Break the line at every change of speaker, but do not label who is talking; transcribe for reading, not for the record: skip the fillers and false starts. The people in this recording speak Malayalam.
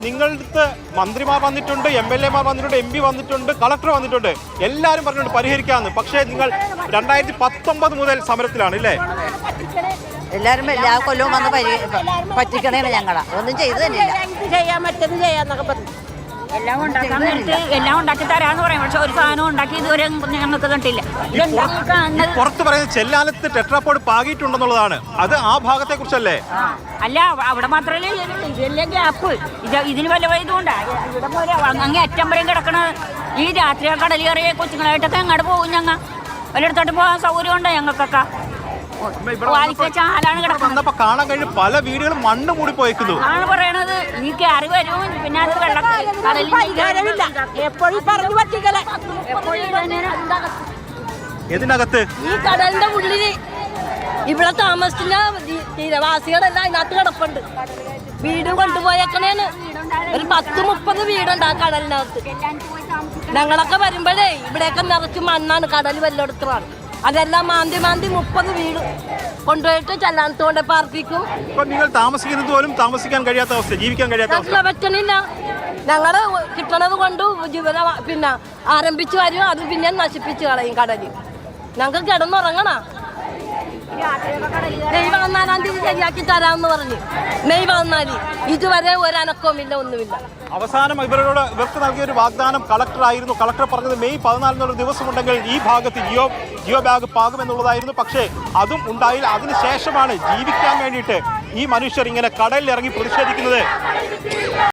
നിങ്ങളുടെ മന്ത്രിമാർ വന്നിട്ടുണ്ട്, MLA മാർ വന്നിട്ടുണ്ട്, MP വന്നിട്ടുണ്ട്, കളക്ടർ വന്നിട്ടുണ്ട്, എല്ലാവരും പറഞ്ഞിട്ടുണ്ട് പരിഹരിക്കാമെന്ന്. പക്ഷേ നിങ്ങൾ 2019 മുതൽ സമരത്തിലാണ് അല്ലേ?
എല്ലാവരും എല്ലാ കൊല്ലവും വന്ന് പറ്റിക്കണേ ഞങ്ങളെ ഒന്നും ചെയ്തു തന്നെയില്ല.
ചെയ്യാൻ പറ്റുന്നത് ചെയ്യാന്നൊക്കെ പറഞ്ഞു.
എല്ലാം ഉണ്ടാക്കി തരാന്ന് പറയും. പക്ഷെ ഒരു സാധനം ഉണ്ടാക്കി ഇതുവരെ ഞങ്ങൾക്ക് കണ്ടില്ല.
പുറത്ത് പറയുന്നത് ചെല്ലാനത്ത് ടെട്രാപോഡ് പാകിയിട്ടുണ്ടെന്നുള്ളതാണ്. അത് ആ ഭാഗത്തെ കുറിച്ചല്ലേ?
അല്ല, അവിടെ മാത്രമല്ലേ ഇതല്ലേ ഗ്യാപ്പ്. ഇതിന് വല്ല ഇതുകൊണ്ടാ ഇവിടെ പോലെ അങ്ങേ അറ്റം വരെയും കിടക്കണ ഈ രാത്രി കടൽ കയറിയ കൊച്ചുങ്ങളായിട്ടൊക്കെ അങ്ങോട്ട് പോകും. ഞങ്ങൾ വല്ലയിടത്തോട്ട് പോകാൻ സൗകര്യം ഉണ്ടോ ഞങ്ങൾക്കൊക്കെ?
കാണാൻ കഴിഞ്ഞ പല വീടുകളും മണ്ണ് മൂടി പോയേക്കുന്നു
ആണ് പറയണത്. ഈ കയറി വരും, പിന്നെ അത്
പരിഹാരമില്ല. എപ്പോഴും പറഞ്ഞു പറ്റിക്കല.
ഇതിനകത്ത്
ഈ കടലിന്റെ ഉള്ളില് ഇവിടെ താമസിക്കുന്ന തീരവാസികളെല്ലാം അതിനകത്ത് കിടപ്പുണ്ട്. വീട് കൊണ്ടുപോയേക്കണേന്ന് ഒരു 10-30 വീടുണ്ട് ആ കടലിനകത്ത്. ഞങ്ങളൊക്കെ വരുമ്പോഴേ ഇവിടെയൊക്കെ നിറച്ച് മണ്ണാണ്, കടൽ വല്ലയിടത്താണ്. അതെല്ലാം മാന്തി 30 വീട് കൊണ്ടുപോയിട്ട് ചെല്ലാനത്ത് കൊണ്ട് പാർപ്പിക്കും.
നിങ്ങൾ താമസിക്കുന്നത് പോലും താമസിക്കാൻ കഴിയാത്ത അവസ്ഥ, ജീവിക്കാൻ കഴിയാത്ത അവസ്ഥ
പറ്റണില്ല. ഞങ്ങള് കിട്ടണത് കൊണ്ട് ജീവിതം പിന്നെ ആരംഭിച്ചു വരും, അത് പിന്നെ നശിപ്പിച്ചു കളയും കടലിൽ. ഞങ്ങൾക്ക് കിടന്നുറങ്ങണ. മെയ് 14 ശരിയാക്കി തരാമെന്ന് പറഞ്ഞു. മെയ് 14 ഇതുവരെ ഒരനക്കവുമില്ല, ഒന്നുമില്ല.
അവസാനം ഇവർക്ക് നൽകിയ ഒരു വാഗ്ദാനം കളക്ടറായിരുന്നു. കളക്ടർ പറഞ്ഞത് മെയ് 14 ദിവസമുണ്ടെങ്കിൽ ഈ ഭാഗത്ത് ജിയോ ബാഗ് പാകുമെന്നുള്ളതായിരുന്നു. പക്ഷേ അതും ഉണ്ടായില്ല. അതിനുശേഷമാണ് ജീവിക്കാൻ വേണ്ടിയിട്ട് ഈ മനുഷ്യർ ഇങ്ങനെ കടലിൽ ഇറങ്ങി പ്രതിഷേധിക്കുന്നത്.